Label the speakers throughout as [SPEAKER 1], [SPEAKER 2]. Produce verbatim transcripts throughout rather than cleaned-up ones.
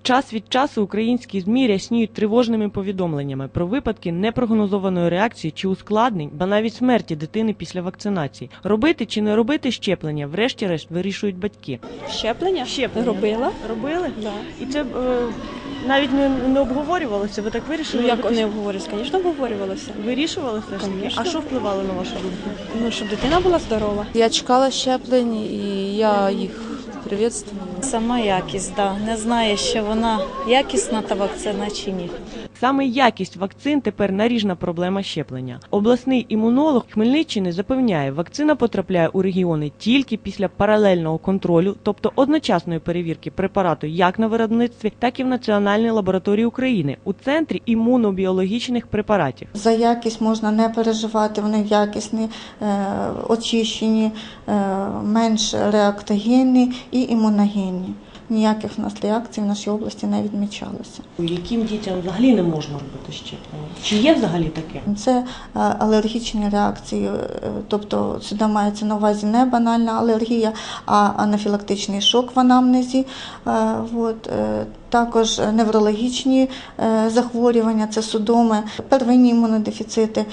[SPEAKER 1] Час від часу українські ЗМІ рясніють тривожними повідомленнями про випадки непрогнозованої реакції чи ускладнень, ба навіть смерті дитини після вакцинації. Робити чи не робити щеплення, врешті-решт, вирішують батьки.
[SPEAKER 2] Щеплення?
[SPEAKER 1] Щеплення.
[SPEAKER 2] Робила.
[SPEAKER 1] Робили?
[SPEAKER 2] Да.
[SPEAKER 1] І це е, навіть не, не обговорювалося? Ви так вирішили?
[SPEAKER 2] Ну, як
[SPEAKER 1] робити?
[SPEAKER 2] не обговорювалося? Звісно, обговорювалося.
[SPEAKER 1] Вирішували все ж таки?
[SPEAKER 2] Конечно.
[SPEAKER 1] А що впливало на вашу думку?
[SPEAKER 2] Ну, щоб дитина була здорова.
[SPEAKER 3] Я чекала щеплень і я їх привітствую.
[SPEAKER 4] Сама якість, да. Не знаю, що вона якісна та вакцина чи ні.
[SPEAKER 1] Саме якість вакцин тепер наріжна проблема щеплення. Обласний імунолог Хмельниччини запевняє, вакцина потрапляє у регіони тільки після паралельного контролю, тобто одночасної перевірки препарату як на виробництві, так і в Національній лабораторії України у Центрі імунобіологічних препаратів.
[SPEAKER 5] За якість можна не переживати, вони якісні, е, очищені, е, менш реактогенні і імуногенні. Ніяких в нас реакцій в нашій області не відмічалося.
[SPEAKER 1] Яким дітям взагалі не можна робити щеплення? Чи є взагалі таке?
[SPEAKER 5] Це алергічні реакції, тобто сюди мається на увазі не банальна алергія, а анафілактичний шок в анамнезі. От. Також неврологічні захворювання, це судоми, первинні імунодефіцити,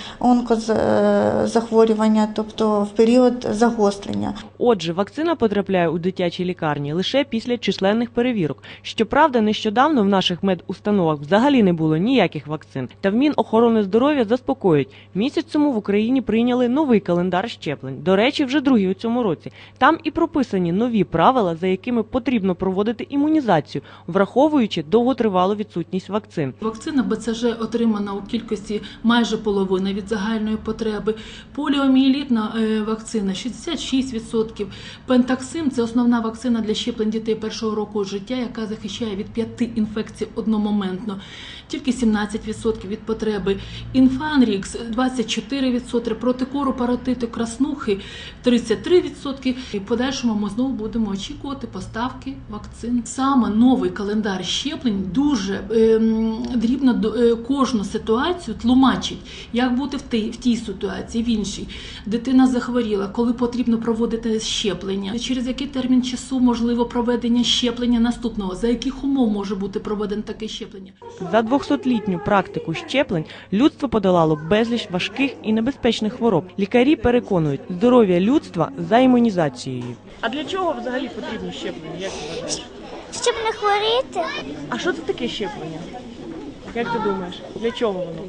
[SPEAKER 5] онкозахворювання, тобто в період загострення.
[SPEAKER 1] Отже, вакцина потрапляє у дитячі лікарні лише після численних перевірок. Щоправда, нещодавно в наших медустановах взагалі не було ніяких вакцин. Та в Мінохорони здоров'я заспокоюють. Місяць тому в Україні прийняли новий календар щеплень. До речі, вже другий у цьому році. Там і прописані нові правила, за якими потрібно проводити імунізацію, враховуючи довготривалу відсутність вакцин.
[SPEAKER 6] Вакцина Б Це Ж отримана у кількості майже половини від загальної потреби. Поліомієлітна вакцина – шістдесят шість відсотків. Пентаксим – це основна вакцина для щеплень дітей першого року життя, яка захищає від п'яти інфекцій одномоментно. Тільки сімнадцять відсотків від потреби. Інфанрікс – двадцять чотири відсотки, проти кору, паротиту, краснухи – тридцять три відсотки. І в подальшому ми знову будемо очікувати поставки вакцин. Саме новий календар щеплень дуже е, дрібно е, кожну ситуацію тлумачить, як бути в тій, в тій ситуації, в іншій. Дитина захворіла, коли потрібно проводити щеплення, через який термін часу можливо проведення щеплення наступного, за яких умов може бути проведено таке щеплення.
[SPEAKER 1] За двохсотлітню практику щеплень людство подолало безліч важких і небезпечних хвороб. Лікарі переконують, здоров'я людства за імунізацією. А для чого взагалі потрібно щеплення? Як ти вважаєш?
[SPEAKER 7] Щоб не хворіти.
[SPEAKER 1] А що це таке щеплення? Як ти думаєш? Для чого воно?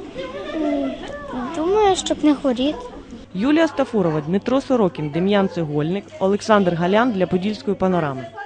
[SPEAKER 7] Думаю, щоб не хворіти.
[SPEAKER 1] Юлія Стафурова, Дмитро Сорокін, Дем'ян Цегольник, Олександр Галян для Подільської панорами.